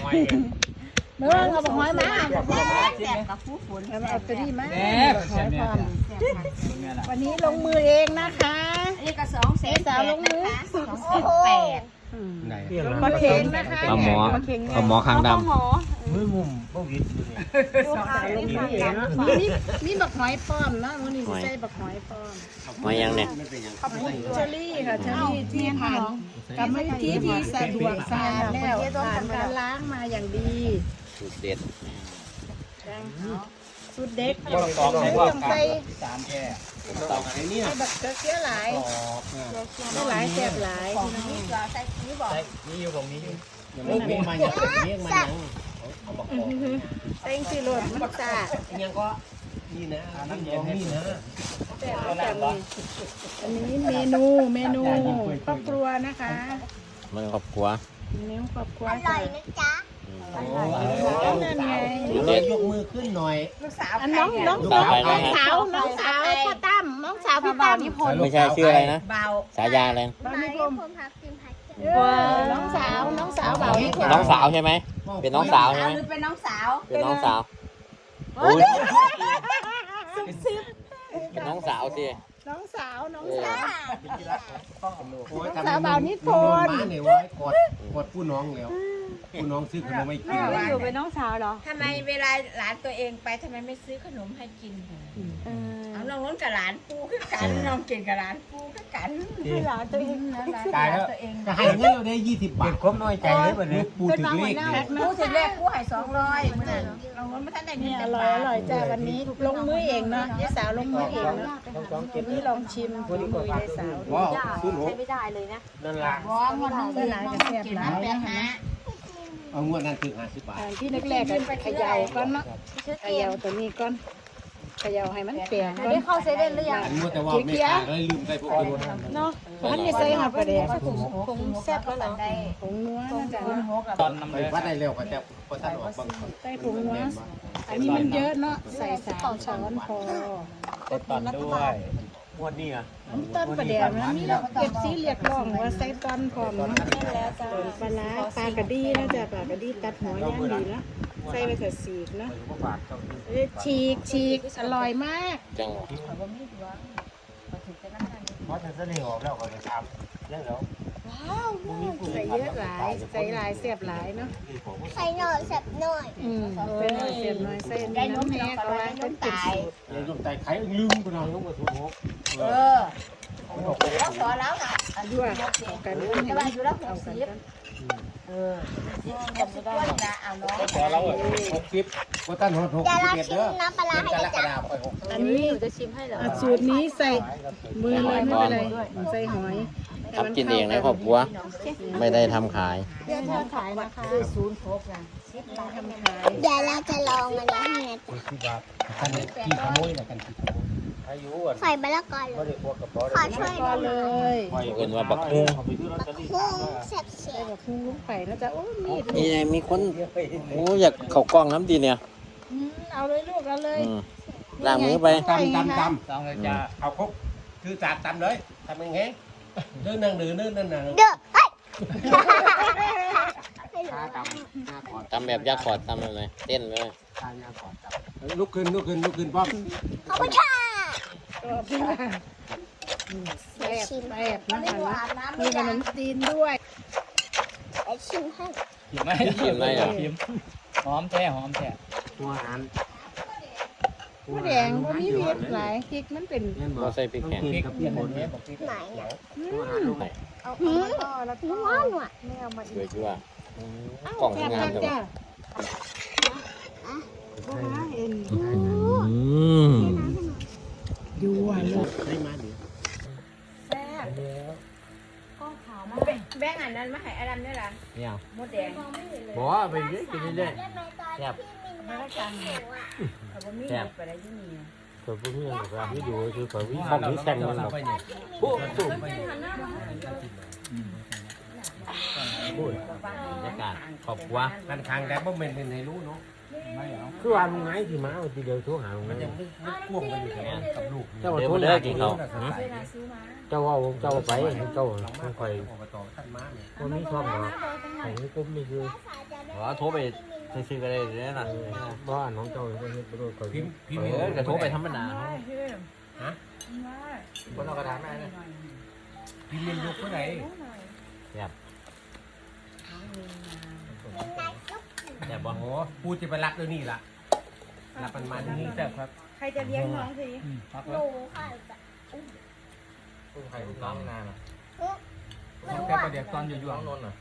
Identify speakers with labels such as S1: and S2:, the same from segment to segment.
S1: เมื่อเอาบักหอยมา
S2: แซ่บกับผู้ฝน
S1: เอาตัวนี้มาบักหอยพร้อมวันนี้ลงมือเองนะคะ
S2: อันนี้ก็2 แสนสาวลงมือ2,800,000
S1: ปลาเค็งนะคะ
S3: ปลาหมอคางดำ
S4: มือมุมบ่วิด
S1: ดูค่ะนี่บักหอยป้อมนะวันนี้ใส่บักหอยป้อม
S3: มายังเนี่ย
S1: เชอรี่ค่ะเชอรี่ที่ผ่านกรรมวิธีที่สะดวกสะอาดแล้วผ่านการล้างมาอย่างดี
S3: สูตรเด็ด
S1: สูตรเด็ดใส่ต้องใส่
S4: 3แค่
S1: ใส่บักเสียหลายหลายแซ่บหลาย
S2: นี่ก็ใส่นี่บอก
S4: นี่อยู่ผมนี้มีมาอย่างนี้มาอย่างเอาบอก
S1: เต็งสิโรดมันสะอาด
S4: ยังก็นี่นะน้ำยองนี่นะ
S1: แซ่บจังเลยอันนี้เมนูครอบครัวนะคะ
S3: มันครอบครัว
S1: เมนูครอบครัว
S2: อร่อยนะจ๊ะ
S1: นั่นไง
S4: ยกมือขึ้นหน่อย
S2: ลูกสาว
S1: อันน้องสาวพ่อตั้มน้องสาวพี่ตั้ม
S3: ไม่ใช่ชื่ออะไรนะ
S2: เบา
S3: ฉายาอะไรนะ
S1: บ้านนิคมน้องสาวเบานี่
S3: น้องสาวใช่ไหมเป็นน้องสาวใช่ไหม
S2: หรือเป็นน้องสาว
S3: เป็นน้องสาวอุ้ยเป็นน้องสาวสิ
S1: น้องสาว
S4: สาวเบานิพนธ์เนี่ยว่ากดผู้น้องแล้วผู้น้องซื้อขนมไม่กิน
S1: อยู่เป็นน้องสาวเหรอ
S2: ทำไมเวลาหลานตัวเองไปทำไมไม่ซื้อขนมให้กินเอาน้องน้นกับหลานปูขึ้นกันน้องเก่งกับหลานปูขึ้นกัน
S1: หลานตัวเองนะหลาน
S4: ตายแล้ว
S2: ตัวเอง
S4: จะให้เงินเราได้20 บาทครบน้อยใจเลยแบบนี้ปูถึงเลข
S2: ปูถึงแรกปูให้200มื้อนั้นน้องน้นไม่ทันได้เงิ
S1: นี่
S2: น
S1: อร่อยจ้าวันนี้ลงมือเองเนาะยายสาวลงมือเองเนาะวันนี้ลองชิมฝีมือยายสาว
S4: ว้าวซื้อหนู
S1: ไม่ได้เลยนะ
S4: นั่นล่ะ
S2: บ่วันนึงหลายกับแซ่บหลายนะ
S4: เอางวดนั้นถึง50 บาท
S1: ที่แรกๆก็เขย่าก่อนเนาะเขย่าตัวนี้ก่อนเขย่าให้มันเปลี่ยนก่อน
S2: ได้เข้าเซเว่นหรือยัง
S4: อันงวดแต่ว่าไม่ขาดเลยลืมใส่พวกนี้
S1: เนาะพันนี่ใส่หับประเดี๋ยว
S2: คงแซ่บแล้วหลังได้
S1: ผงนัวนะจ๊ะ
S4: ตอนไปวัดได้เร็วก็จะพอท่านออกบางคน
S1: ใส่ผงนัวอันนี้มันเยอะเนาะใส่3 ช้อนพอ
S4: ต้นตอนด้วยงวดนี้อ่ะ
S1: ต้นประเดี๋ยวนะมีเราเก็บสีเรียกร้องว่าใส่ต้นพร้อมเนาะปลาร้าปลากระดีนะจ๊ะปลากระดีตัดหัวย่างดีเนาะใส่ไปเถอะสีกเนาะฉีกอร่อยมาก
S3: จังหวะ
S4: เพราะฉันเสนอออกแล้วก็จะทำแล้ว
S1: ใส่เยอะหลายใส่หลายเสียบหลายเนาะ
S2: ใส่หน่อยแซ่บหน่อย
S1: ใส่หน่อยเสียบหน่อยใส่น้ำแม่ก็ไว้เป็นจุดสูตร
S4: ไอ้ลูกไตไข่ลืมก็นอนลูกมาถูก
S2: แล้วพอแล้วนะ
S1: ด้วยกันให้
S2: แต่
S1: มั
S2: ว่าน อยู่แล้ว
S1: เอากัน
S2: 60ก็ไม่ได้นะเอาน้อง
S4: พอแล้ว60ก็ตั้ง61เด้อน้ำปลาให้จ้ะ
S1: อันนี้สูตรนี้ใส่มือเลยไม่เป็นไรใส่หอย
S3: ทำกินเองในครอบครัวไม่ได้ทำขาย
S1: เพื่อทอดขายนะคะ
S2: ศูนย์ครบนะ
S1: ทำขาย
S2: เดี๋ยวเราจะลองมันนะให้นะ
S4: ท่านขี้ขโมยนะกันขี้ขโมยอายุอ่ะ
S2: ใส่มะละกอเลยขอช่วย
S1: ก็เลย
S3: เกินว่าบักฮู้
S2: พุ่งแซ่บ
S1: ใส่แบบพุ่งลูกไปนะจ๊ะโอ้มีด
S3: นี่ไงมีคนโอ้อยากเข้ากล้องน้ำดีเนี่ย
S1: เอาเลยลูกเอาเลย
S3: ล้างมือไป
S4: ตำต้องเลยจ้าเอาครบคือจัดตำเลยทำยังไงเดินนั่งนั่น
S2: เด้อเฮ้ย
S3: ทำแบบยักษ์ขอดทำเลยเต้นเลย
S4: ลุกขึ้นป้อม
S2: ขอบคุณค่ะ
S1: แซ่บแซ่บนะคะมีขนมจีนด้วย
S2: ไปชิมให้
S3: ชิมไหมอ่ะ
S5: หอมแท้
S4: หัวหัน
S1: ผู้แดงก็มีเผ็ดหลายพริกมันเป็น
S3: เราใส่พริกแห้ง
S4: พริกกับพริกหมดเนี่ย
S2: ไหนอ่ะ
S1: เอาแล้วก็
S2: ว้าวอ่ะ
S1: ไม่เอามา
S3: ด้วยชั่วกล่องงามจัง
S1: จ้ะเอ็นดูอ่ะลูก
S4: ได้มาดิ
S2: แบ่งอันนั้นมาให้อดัมด้วยล่ะ
S3: เนี่ย
S2: มดแดง
S4: บอกไปเยอะกินเรื่อย
S3: แซ่บ
S2: มาแล้วกันเขาบ่มีไปได้ที่นี่
S4: ๆตัวพวกนี้เราที่ดูคือตัววิ่งเข้าที่แต่งมันเราโอ้สูง
S3: บรรยากาศครอบครัว
S4: กันทางแต่บ่เป็นในรู้เนาะ
S6: คือว่าลุงไงที่มาทีเดียวโทรหาลุงไง
S4: มันยังไม่พ่วงกันอยู่กับลูก
S6: เจ้า
S3: เดี๋ยว
S6: โทร
S3: มาเด้อกินเขาว
S6: เจ้าว่าเจ้าไปเจ้าไม่ค่อย
S4: อบตท่านมาเนี่ย
S6: คนนี้ชอบหรอกแต่นี่ก็ไม่คือ
S3: อโทรไปซื้อๆกันเลยเนี่ยนะ
S6: บ้านน้องเจ้าก็เฮ็ดบ่รู้ก็
S4: พิมพ์
S3: กระโทรไปธรรมดา
S4: ฮะ
S3: บนเอากระดาษมาเนี่ย
S4: พิมพ์เมนยกเมื่อไหร่
S3: แบบแบบบ่
S4: โอ้ปูจะไปรักเดี๋ยวนี้ล่ะรับมันนี่แต่ครับ
S1: ใครจะเลี้ยงน้องสิ
S5: หนูค่ะ
S3: ใครลูกน้องนานอ่ะ
S5: ไม่รู้
S7: แค่
S5: ว่า
S7: ประเดี๋ยวตอนอยู่
S3: น้องนนท์อ่ะ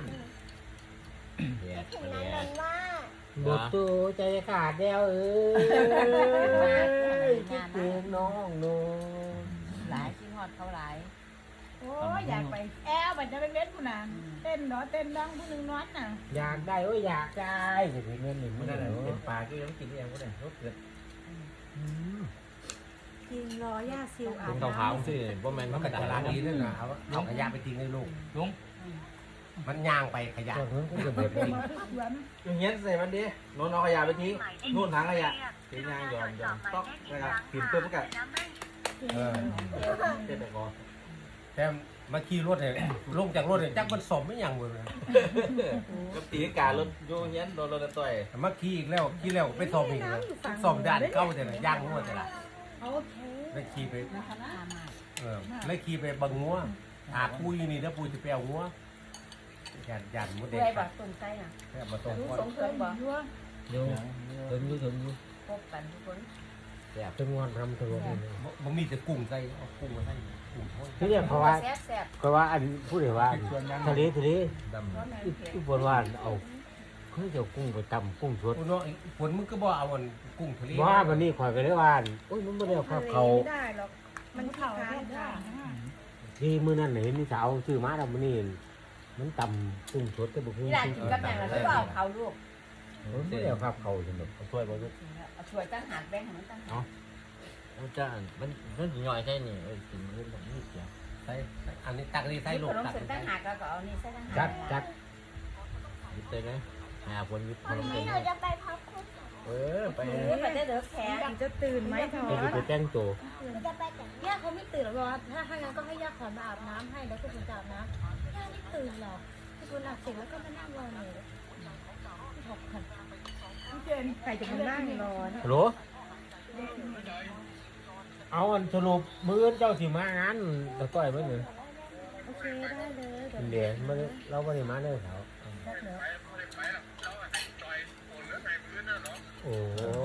S3: แย่
S5: ถึง
S3: แย่
S5: นั้นว่า
S6: บทตัวใจขาดแล้วคิดถึงน้องโน
S2: หลายชิ้นฮอดเขาหลาย
S1: โอ้ยอยากไปแอลมันจะไปเล่นผู้นั้นเต้นเนาะเต้นดังผู้หนึงนอนน่ะ
S6: อยากได้อยากได้สิเงินนี่
S3: ไม่
S6: มัน
S3: ได้
S6: ได้
S3: เป็นปลาที่ต้องกินเองก็ได้รสเกิด
S1: กินรอย่าซิวอา
S3: คุ
S1: บ
S3: ณ
S1: น้
S3: ขาวๆสิบ่แม่น
S4: มั
S3: มัน น
S4: ก็
S3: กระ
S4: ต
S3: ดา
S4: ลา
S3: ษ
S4: ดนี้ด้วยนะเอาขยะไปทิ้งให้ลูก
S7: ลุง
S4: มันย่างไปขยะ
S6: ก็เพิ่นก็จะเบิด
S1: ำมาพักหวน
S3: อย่างเงี้ยใส่มันดิโน่นเอาขยะไปทิ้งนู่นถังขยะทิ้งยางยอมต๊อกนะครับกินเพื่อประกาศ
S4: เออ
S3: เด็ดไปก่อน
S4: แต่มาขี่รถเนี่ยลงจากรถเนี่ยจักมันสมไม่อย่างเลย
S3: กับตีการรถโยเฮียนโดนรถต่อย
S4: มาขี่อีกแล้วขี่แล้วไปสมอีกเลยสมด่านเข้าแต่ละย่างงัวแต่ละ
S1: โอเค
S4: แล้วขี่ไปแล้วขี่ไปบังงัวหาปุ้ยนี่แล้วปุ้ยจะไปเอางัวยันมดเด็ก
S2: เพื่อบอกตุ่มใจน่ะ
S4: มาส่ง
S2: รู้
S4: งัว
S2: สงเคยบอก
S1: ยั่ว
S6: อยู่ถึงอยู่
S2: พบกันทุกคน
S6: ถึงวันทำถึงวันนี้
S4: มันมีแต่กุ้งใส่เอากุ้งมาใส่กุ้งทอด
S6: ที่เรียกเพราะว่า
S2: แซ่บแซ่บ
S6: ก็ว่าอันพูดเลยว่าทะเล
S3: ดำ
S6: ที่บนว่าเอาเขาจะกุ้งไปตำกุ้งสด
S4: โอ้เนาะฝนมึงก็บ่เอาอันกุ้งทะเล
S6: ว่าวันนี้ข่อยก็เลยว่าโอ้ยมันไม่ได้เอาข้าวเขา
S1: ไม่ได้หรอกมันเผาได้
S6: ที่มื้อนั้นเห็นมีสาวซื้อมาแล้วมื้อนี้มันตำกุ้งสดแต่บ่คือ
S2: นี่หลานกินกับแม่แล้วไม่บอกเขาลูก
S6: ไม่ได้เอาข้าวเขาสนุก
S3: ช่วยบ่ลูก
S2: เอาช่วยตั้งหากแบ่งให้มันตั้งหาก
S3: มันจะมันย่อยใช่นี่กินมันแบบนี้เสีย
S4: ใส่อันนี้ตักนี่ใส่
S2: ที่
S4: ลู
S2: ข
S4: ก
S2: นม
S4: ตัก
S2: เส้นตั้งหากแล้วก็เอานี่ใส่ตั้งหาก
S6: จัด
S3: ยิบเลยนะหาคนยิบข
S5: วัน
S3: นม
S5: นี้
S3: เส้น
S5: เราจะไปพักคุณ
S3: ไป
S2: ไปได้เด้อแขก
S1: จะตื่นไหมทอ
S6: ไปไปแต่งตัว
S5: เราจะไปแต่ง
S8: ย่าเขาไม่ตื่นหรอกว่าถ้างั้นก็ให้ย่าขอนมาอาบน้ำให้แล้วก็คุณจะอาบน้ำย่าไม่ตื่นหรอกคุณอาบเสร็จแล้วก็มานั่งรอหนูถกกัน
S1: พี่เจนใครจะมานั่งรอนะ
S6: ฮัลโหลเอาอันสรุปมื้อเจ้าสิมางานตะก้อยมื้อนี้
S8: โอเคได้เลยเดี๋ยว
S6: เดี๋ยวมื้อเราบ่ได้มาเด้อเขาโอ้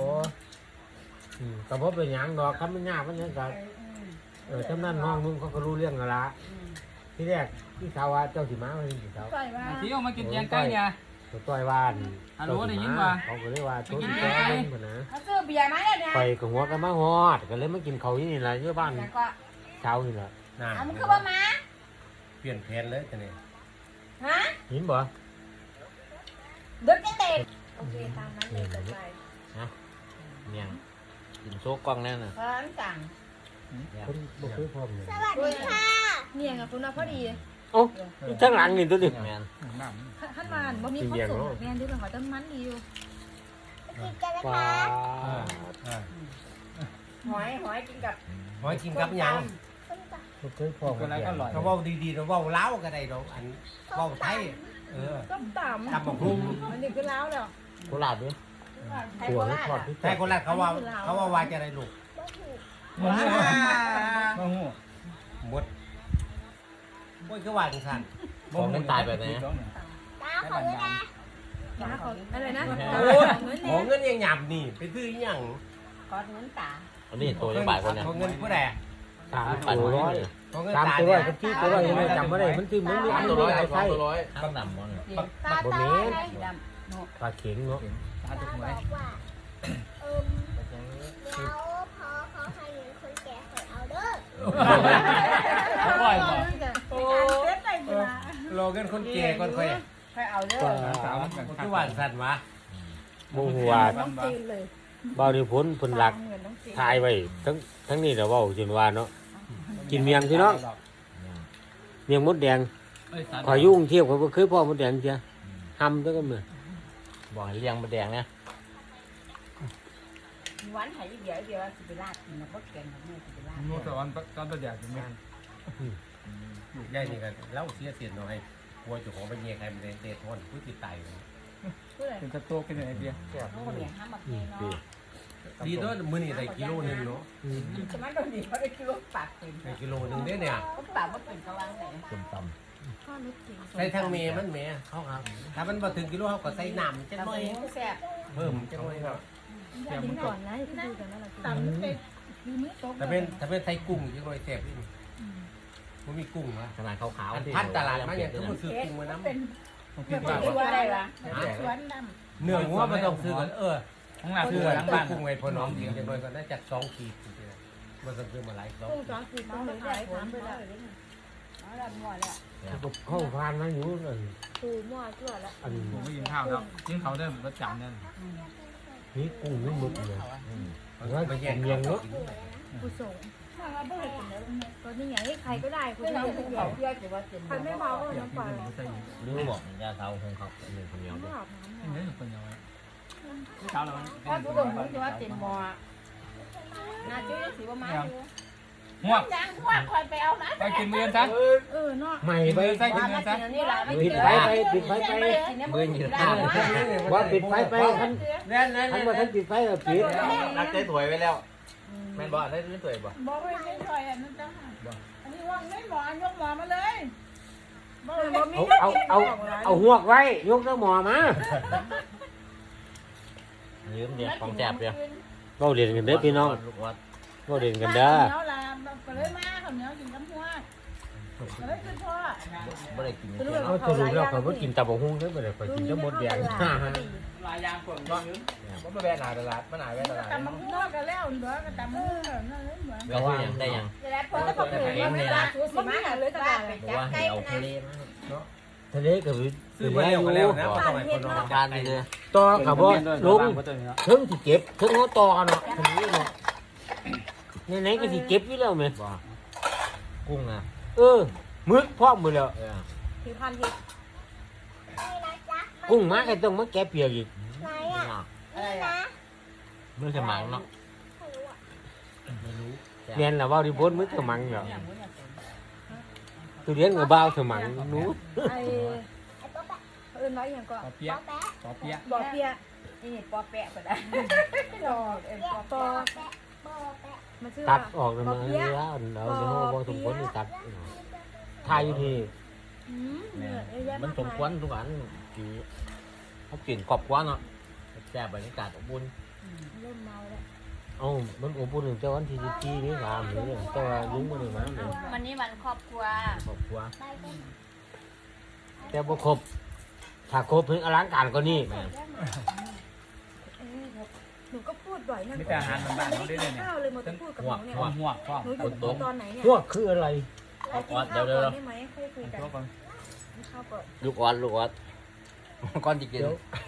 S6: ก็บ่เป็นหยังดอกคันมันยากมันยังก็จำนั้นห้องมึงเขาก็รู้เรื่องแล้วล่ะที่แรกที่เขาว่าเจ้าสิมาวันนี้สิเขา
S1: ปล่อยว่า
S7: ที่ออกมากินแกงไก่เนี่ย
S6: ตัวต้อยว่าน
S7: ฮัลโหลได้ยินบ่
S6: เขาก็เลยว่าตัวที่แก้เพิ่นนะ
S2: เขาซื้อเบียร์มาแล้วเนี่ย
S6: ไปกับหัวกันมาฮอดก็เลยมากินข้าวที่นี่ล่ะอยู่บ้าน
S2: แล้วก็
S6: เช้านี่ล่ะ
S4: น่ะ
S2: เอามันคือว่ามา
S4: เปลี่ยนแผนเลยจะเนี่ย
S2: ฮะ
S6: เห็นบ่
S2: เด็กเด็ก
S8: โอเคตามนั้นเลยจะไป
S3: เนี่ยกินโซ่กล้องแน่น่ะ
S2: เพิ่นสั่ง
S6: คนบ่เคยพร้อมเลย
S5: สวัสดีค่ะ
S8: เนี่ยกับคุณมาพอดี
S6: โอ้ยข้างหลังนี่ตัวนี้
S3: แมน
S8: ท่านมาบ่มีคนส่งแม่ดูเป็นขอต้นมันดีอยู่
S5: กินกันนะ
S6: ว้า
S5: คะ
S2: หอยกินกับ
S4: หอยกินกับหยัง
S6: บ่เคยพร้อม
S7: คนไรก็อร่อย
S4: เขาเว้าดีๆเราเว้าเล้าวก็ได้ดอกอันเว้าไทย
S1: ต้มต่
S4: ตำบักหุ่ง
S1: ำอันนี้คือล้าวแล้ว
S6: โคราชเด้อ
S2: ไทย
S6: ตัว
S2: โค
S6: มัน
S2: ราช
S6: ทอดที่
S4: แต่คนแรกเขาว่าว่าจะได้ลูก
S7: มะม่วงมะม่วง
S4: หมดโอ้ยก็ว่าจังซั่น
S3: ของมันตายแบบไหน
S5: ตาของเลยนะ
S8: นะขออะไรนะ
S4: โอ้ยของเงินยังหยำนี่ไปซื้ออีหยัง
S2: ขอเงินตา
S3: อันนี้ตัวยังบ่ายคนเนี่ย
S4: ของเงินผู้ใด
S6: 3ตัวร้อย
S4: ของเงิน
S6: 3
S4: ตา
S6: ตัว
S4: เนี่ย
S6: กับ4ตัวร้อยยังไม่จำบ่ได้มันคือมันมี
S3: สาม
S6: อัน
S3: ตัวร้อย
S6: หลาย
S3: สอ
S6: ไส้
S3: งตัวร้อยข้างดำมัน
S5: ตา
S6: บ่
S5: ตา
S6: แม่น
S5: อะไร
S2: สีดำ
S6: ปลาเข็งเนาะ
S7: ตา
S5: ตา
S7: ถูกไหม
S5: บอกว่าแล้วพอเขาให้เงินคนแก่คอยเอาเด้อ
S7: อร่อยบ่
S1: โอ้เต้นไหนดีล่ะ
S4: รอเงินคนแก่ก่อนค่อย
S2: ค่อยเอาเด้อ
S7: สาวมันกัน
S4: คือว่าสั่นวะ
S6: บ่ฮู้ว่า
S1: ต้องจีนเลย
S6: บ่ได้ผลเพิ่นหลัก
S1: เหมือนต้องจีน
S6: ถ่ายไว้ทั้งนี้แล้วเว้าจนว่าเนาะกินเมียงพี่น้องเมียงมดแดงขอยยุ่งเทียบเขาบ่เคยพ่อมดแดงเสียทำแล้วก็มื้อ
S3: บอกให้เลี้ยงมาแดงเนี่ย
S2: หวานไห้เดียวสิไปลาดกินนะบ่แกงแม่สิไปลาด
S7: นู่นตะวันตอนประหยัดอยู่แม่
S4: ยายนี่ก็เล่าเสียเสียนหน่อยกลัวเจ้าของไปเมียใครมันเดททนผู้ติดตายเลย
S7: เป็นสต๊อกเป็นอะไรเดียว
S2: โน่นเนี่ยห้ามมาเกยเนาะ
S4: ดีเด้อมื้อนี้ได้กิโลนึงเนาะ
S2: จะมันโดนดีเขาได้กิโลปากเป็น
S4: ได้กิโลนึงเด้เนี่ย
S2: ก็ปากว่าเป็นกำลังแต่
S6: ส้มต
S8: ข้าวนึกถึง
S4: ใส่ทางเมมันแม่เขาครับถ้ามันบ่ถึงกิโลเขาก็ใส่น้ำจัก
S2: ตำ
S4: หน่อย
S2: เองแซ่บ
S4: เพิ่มจักหน่อยครับ
S8: อย่าทิ้งก่อนนะที่ดูกันนั่นแหละ
S1: ตำไปดูมือตก
S4: ถ้าเป็นใส่กุ้งจักหน่อยแซ่บนี่มันมีกุ้งวะ
S6: ำขนาดขาวๆ
S4: พันตลาดมาอย่างคือมันซื้อกุ้งมาน้ำ
S7: ต้องกิน
S2: เป็
S7: ปาน ก
S2: ตัวอะไรวะ
S1: สวนด
S4: เนื้องัวมันต้องซื้อกัน
S7: ข้างหน้า
S4: ซื้
S7: คือ อ
S4: กัน
S7: หลัง
S4: ซื้อ
S7: บ้าน
S4: กุ้งไว้พอน้องจริงจังเลยก็น่าจะ2 ขีดจริงๆมันต้องซื้อมาหลาย2
S8: กุ้งจ้าคือต้องเลยได้ถามไปแล้ว
S2: เอาละมั่วแล้ว
S6: เข้าพานมาอยู่เลย
S8: ปูมั่วชั่วแล้ว
S6: อัน
S7: ผมไม่กินข้าวแล้วกินเขาเดิมรสจัดเนี่ย
S6: นี้กุ้งนี่หมึกเลยว่าไปแย่งเมียงเนาะ
S8: ผู้ส่งก็นี่ไงใครก็ได้คุณ
S2: ที่
S8: ไม่
S2: เรา
S8: ได้
S2: เป็น
S8: ให
S2: เขา
S8: ญ่
S2: เพื่อจะว่าเป็น
S8: ใครไม่เมาก็น้ำปลา
S6: นึกบอกยาเท้าของเขาหนึ่งคนเดียว
S8: ไม่อาบน้ำ
S7: นี่เป็นยังไงเช้าแล้ว
S2: ถ้าผู้ดมรู้ว่าเป็นหมอน่าจะสิว่ามาอยู่
S7: หัว
S2: จ้างพวกคอยไปเอานะ
S7: ไปกินเมือนซะ
S8: เนาะ
S6: ใหม่ไป
S7: ใส่กิน
S2: มา
S7: เมือนซะ
S2: กินนี่ละ
S6: ปิดไฟไปปิดไฟไปเบื่ออยู่ว่าปิดไฟไปท่าน
S4: นั่น
S6: ท่านว่าท่านปิดไฟก็ปิด
S3: รักใจถวยไปแล้วแม่นบ่ได้เล่นถวยบ่
S1: ำบอกว่าไม่ถอยอันนั้นจ้าอันนี้ว่างไม่หมอยกหมอมาเลยบอกเลย
S6: เอาหวกไว้ยกเสื้อหมอมายืมเด็กของแจบเดียวเราเรียนกันเด้อพี่น้องเราเรียนกันเด้อ
S1: เหนียวลามก็เลยมาข้าวเหนียวกินกับหัวก็เลยคือพ่อ
S6: ไม่ได้กินเอาสรุปแล้วเขาก็กินตับกหุ่งได้ไม่ได้ไปกินทั้งหมดแดง
S3: ลายยางคนก็ว่ามาแบนหนาตลาดมาหนาแบนตลาด
S1: ตำมันหัวก็แล้วเหลือก็ตำมือนั่นเลยเหมือน
S6: ก็ว่าได้ยัง
S2: แล้วพอจะบอกว่าไม่ได้ชูสิมาเลยตลาดไปจับไก่นะ
S6: ทะเลกับ
S4: ซื้อมาแล้วก็แล้วนะทำไมคนนอน
S6: การนี่เลยต่อกับว่าลุงถึงที่เก็บถึงเขาต่อเนาะทะเลเนาะไหนๆก็ที่เก็บอยู่แล้วไหมกุ้งอ่ะมึกพร้อมหมดแล้ว
S8: ผิวพรรณเห็ด
S6: กุ้งมาก็ต้องมาแกะเปียกอีก
S5: ไหนอ่ะ
S2: อะไร
S5: นี่
S2: อ่ะ
S5: นะ
S6: มือสมังเนาะ
S5: ไม่รู้อ่ะ
S6: เรียนแล้วว่าดิบนมือสมังเหรอตัวเรียนกับบ้าวสมังนู้
S8: ไอ้
S5: ไอ้ป๊อปแปะ
S8: เอิญไว้อย่างก็
S7: ปอเปี๊ยะ
S5: ป๊อปแปะ
S7: ปอเปี๊ยะ
S8: บ่อเปีย
S2: นี่ปอแปะก็ได้รอเอ็มปอ
S8: ปอ
S2: แปะ
S5: ป๊อปแปะ
S8: มันชื่อ
S6: ตั
S8: ว่า
S6: ดออกเลยมาเนี่ยเราเดี๋ยวพอสมควรตัดทายอยู่ที่ มันสมควรทุกอันที่เขากินขอบกว่าเนาะแซ่บบรรยากาศอบอุ่น
S8: เริ่มเมาแล้ว
S6: มันอบอุ่นแต่วันที่14นี่3หรือแต่ว่าลุงบ่ได้มาเลย
S2: วันนี้วันครอบครัว
S6: ครอบครัว
S5: ไปกัน
S6: แต่บ่ครบถ้าครบถึงอลังการกว่านี้แม่
S8: หนูก็พูดบ่อยนั่น
S7: มีแต่อาหารบ้านๆเขาได้เลยเนี่ย
S8: ข้าวเลยมาพูดกับหนูเนี่ย
S7: หัวข้อ
S8: หนูอยู่ตอนไหนเนี่ย
S6: พวกคืออะไร
S8: เรากินข้าวก่อนได้ไหมค่อยคุยกัน
S7: ตัวก่อน
S8: กินข้าวก่อน
S6: ลูกออดก่อนจะกิน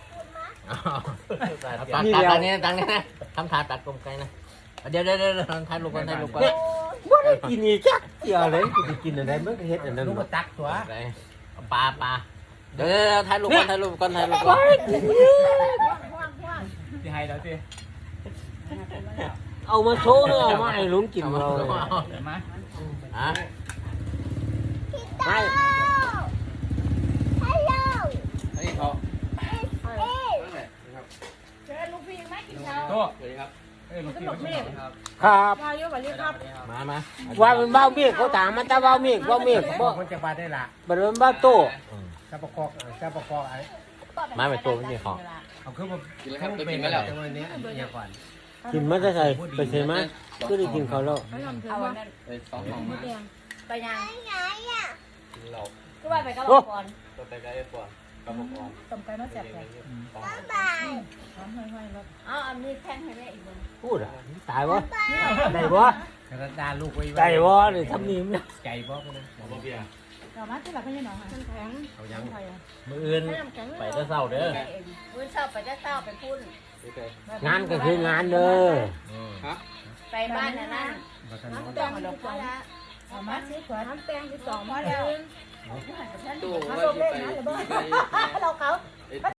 S6: ตัดตังนี้ตังนี้นะทำทาตัดกลมไกนะเดี๋ยวทานลูกก่อนบ่ได้กินอีกจักเดียวเลยจะกินอะไรมันก็เฮ็ดอันนั้น
S4: ลูกมาตักตัว
S6: ปลาเดี๋ยวถ่ายรูปก่อน
S7: ที่ให้แล้วสิ
S6: เอามาโชว์เลยเอามาให้ลุงกินเราเลย
S7: เห็นไหม
S6: ฮะไม่
S5: ฮัลโหล
S3: อันนี้เขา
S1: เจอลูกพี่ไหมกินข้าว
S7: โต๊ะ
S3: สวัสดีครับ
S7: เอ้ยลูกพี่ลูกพี่ครับ
S6: ครับ
S8: มาเยอะกว่านี้ครับ
S6: มาว่าเป็นเบ้าเมียเขาถามมันจะเบ้าเมียบ่
S4: คนจะมาได้ละ
S6: บ่เป็นเบ้าโต
S4: ซาปะกอกอะไร
S6: มาเป็นโตมันสิเขา
S4: เขาคือแบบเป็นแล้วจังวันนี้เนี่ยก่อน
S6: กินมันจะใส่ไปใส่มาก็ได้กินเขาแล้ว
S8: ไม่ทำเธอ
S2: เอาวั
S8: ว่าน
S2: นั้น
S3: 2 ห้อง
S8: มดแดง
S2: ไปยัง
S5: ไงอ่ะ
S3: เรา
S2: ก็ว่าไปกับเราก่อน
S3: ตัวไปไกลก่อนกับผมก่อน
S1: ต้มไก่มาแซ่บเลย
S5: บ๊ายบาย
S1: หอมห้อยๆแล้ว
S2: เอาอันนี้แท่งให้แม่อีกนึง
S6: พูดอ่ะตายวะได้บ่
S4: แล้วก็ดาลูกไว้
S6: ได้บ่นี่ทำนี่มัน
S4: ใจบ่กันนะ
S3: ผมบ่เบียร์
S1: ต่อมาที่หลักก็ยังหนองค่ะ
S8: น้ำแข็ง
S4: เอายัง
S1: ไทยอ่ะ
S6: มื้ออื่น
S8: ไม่น้ำแข็ง
S6: ไปแต่เช้าเด้อ
S2: มื้อเช้าไปจะเช้าไปพุ่น
S6: งานก็คืองานเด้อ
S2: ไปบ้านนั่น
S8: น้ำแดง
S2: มาดอก
S8: 12
S2: พอละ
S1: เอามาสิขวด
S8: น้ำแดง12มาแล้ว
S3: ตู้
S8: มา
S3: ว่า
S8: ลง
S3: สิ
S8: เล่น
S3: ไป
S8: นะหรือเปล่า
S3: ไป
S8: เราเขา